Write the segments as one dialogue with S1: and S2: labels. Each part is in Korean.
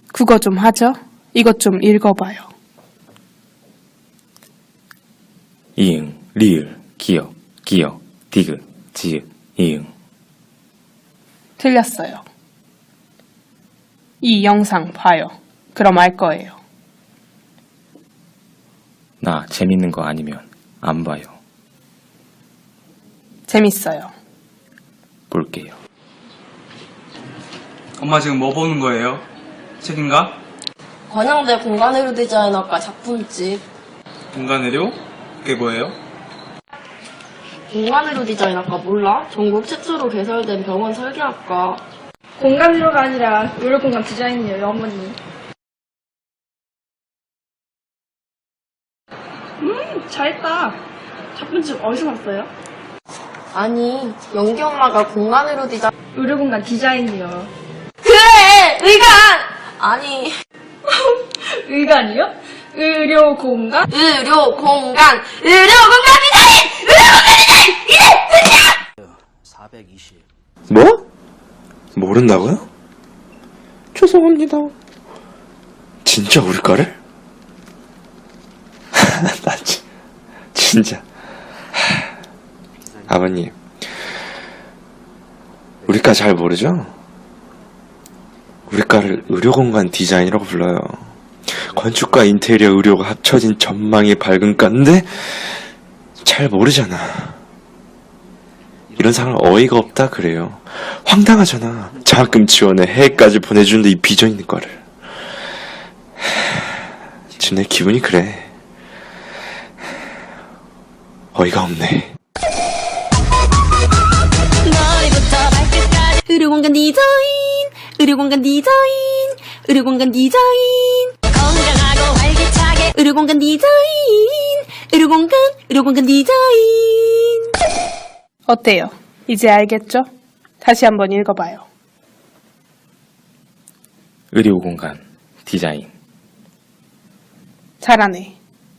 S1: 국어 좀 하죠? 이것 좀 읽어봐요.
S2: 이응, 리을, 기역, 기역, 디귿, 지읒, 이응.
S1: 틀렸어요. 이 영상 봐요. 그럼 알 거예요.
S2: 나 재밌는 거 아니면 안 봐요.
S1: 재밌어요.
S2: 볼게요.
S3: 엄마 지금 뭐 보는 거예요? 책인가?
S4: 관양대 공간의료 디자인학과 작품집.
S3: 공간의료? 그게 뭐예요?
S4: 공간의료 디자인학과 몰라? 전국 최초로 개설된 병원 설계학과.
S5: 공간의료가 아니라 의료공간 디자인이에요, 어머니. 잘했다. 작품집 어디서 봤어요?
S4: 아니, 연기 엄마가 공간의료 디자인.
S5: 의료공간 디자인이요.
S4: 그래! 의관! 아니,
S5: 의관이요? 의료공간?
S4: 의료공간 디자인! 의료공간 디자인! 이제!
S6: 420.
S7: 뭐? 모른다고요? 죄송합니다. 진짜 우리 과를? 나 진짜. 아버님, 우리 과 잘 모르죠? 우리 과를 의료공간 디자인이라고 불러요. 건축과 인테리어 의료가 합쳐진 전망이 밝은 과인데 잘 모르잖아. 이런 사람 어이가 없다 그래요. 황당하잖아. 장학금 지원에 해외까지 보내주는데 이 비전 있는 과를. 지금 내 기분이 그래. 어이가 없네.
S8: 의료공간 디자인, 의료공간 디자인, 의료공간 디자인. 건강하고 활기차게 의료공간 디자인, 의료공간 디자인.
S1: 어때요? 이제 알겠죠? 다시 한번 읽어봐요.
S2: 의료공간, 디자인.
S1: 잘하네.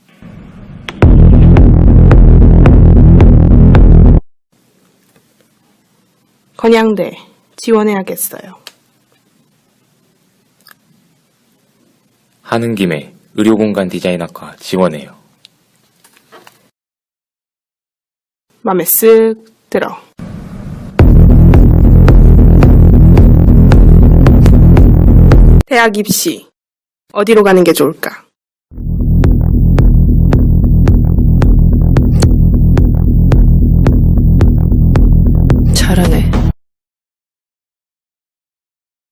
S1: 건양대 지원해야겠어요.
S2: 하는 김에 의료공간 디자인학과 지원해요.
S1: 맘에 쓱 들어. 대학 입시 어디로 가는 게 좋을까? 잘하네.